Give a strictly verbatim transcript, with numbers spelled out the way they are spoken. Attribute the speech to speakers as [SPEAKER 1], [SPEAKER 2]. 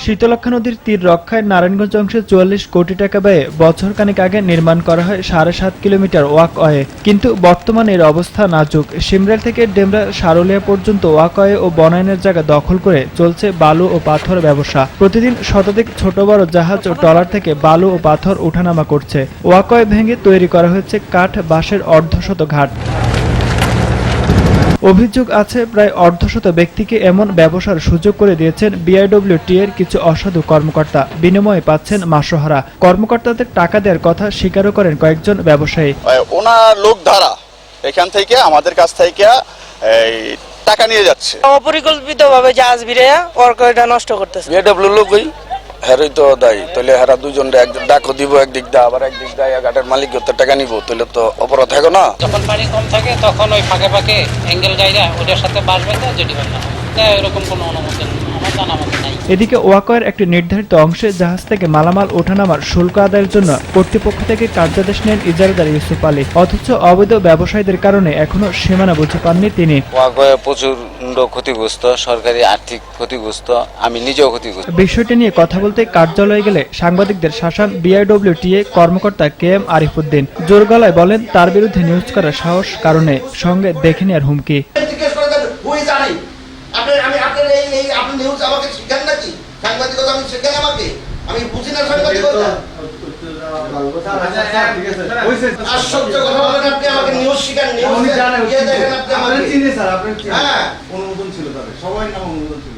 [SPEAKER 1] শীতলক্ষ্যা নদীর তীর রক্ষায় নারায়ণগঞ্জ অংশে চুয়াল্লিশ কোটি টাকা ব্যয়ে বছর খানেক আগে নির্মাণ করা হয় সাড়ে সাত কিলোমিটার ওয়াকওয়ে, কিন্তু বর্তমানে এর অবস্থা নাজুক। সিমরেল থেকে ডেমরা সারুলিয়া পর্যন্ত ওয়াকওয়ে ও বনায়নের জায়গা দখল করে চলছে বালু ও পাথর ব্যবসা। প্রতিদিন শতাধিক ছোট বড় জাহাজ ও ট্রলার থেকে বালু ও পাথর ওঠানামা করছে। ওয়াকওয়ে ভেঙে তৈরি করা হয়েছে কাঠ বাঁশের অর্ধশত ঘাট। অভিযোগ আছে প্রায় অর্ধশত ব্যক্তিকে এমন ব্যবসার সুযোগ করে দিয়েছেন বিআইডব্লিউটি এর কিছু অসাধু কর্মকর্তা। বিনিময়ে পাচ্ছেন মাসোহারা। কর্মকর্তাদের টাকা দেওয়ার কথা স্বীকারও করেন কয়েকজন ব্যবসায়ী।
[SPEAKER 2] ওনার লোক ধারা এখান থেকে আমাদের কাছ থেকে এই টাকা নিয়ে যাচ্ছে,
[SPEAKER 3] অপরিকল্পিতভাবে জাহাজ ভিড়াইয়া ওয়াকওয়েটা নষ্ট করতেছে।
[SPEAKER 4] বিআইডব্লিউ লোকই হেরই তো দায়ী, তাহলে হেরা দুজন একদিন ডাকও দিব, একদিক দা আবার একদিক দেয় ঘাটের মালিক টাকা নিব, তাহলে তো অপরাধ থাকে না।
[SPEAKER 5] যখন পানি কম থাকে তখন ওই ফাঁকে ফাঁকে অ্যাঙ্গেল গাইরা ওটার সাথে বাস বেঁধে যেটি হয় না, এরকম কোনো অনুমোদন আমার জানা মতো নাই।
[SPEAKER 1] এদিকে ওয়াকওয়ের একটি নির্ধারিত অংশে জাহাজ থেকে মালামাল ওঠানামার শুল্ক আদায়ের জন্য কর্তৃপক্ষ থেকে কার্যাদেশ নেন ইজারাদার ইউসুফ আলী। অথচ অবৈধ ব্যবসায়ীদের কারণে এখনো সীমানা বুঝে পাননি তিনি।
[SPEAKER 6] ওয়াকওয়ে প্রচুর ক্ষতিগ্রস্ত, সরকারি আর্থিক ক্ষতিগ্রস্ত, আমি নিজেও ক্ষতিগ্রস্ত।
[SPEAKER 1] বিষয়টি নিয়ে কথা বলতে কার্যালয়ে গেলে সাংবাদিকদের শাসান বিআইডব্লিউটিএ কর্মকর্তা কে এম আরিফ উদ্দিন। জোর গলায় বলেন তার বিরুদ্ধে নিউজ করার সাহস কারণে সঙ্গে দেখে নেওয়ার হুমকি।
[SPEAKER 7] আপনি আমি আপনার এই এই আপনি নিউজ আমাকে শিখান নাকি? সাংবাদিকতা আমি শিখাই আমাকে? আমি বুঝি না সাংবাদিকতা। আশ্চর্য কথা বলেন আপনি, আমাকে নিউজ শিখান, নিউজ কে দেখেন আপনি আমাকে?
[SPEAKER 8] আপনি চিনি স্যার, আপনি
[SPEAKER 7] হ্যাঁ
[SPEAKER 8] অনুমোদন ছিল তাদের, সবাই নাম অনুমোদন ছিল।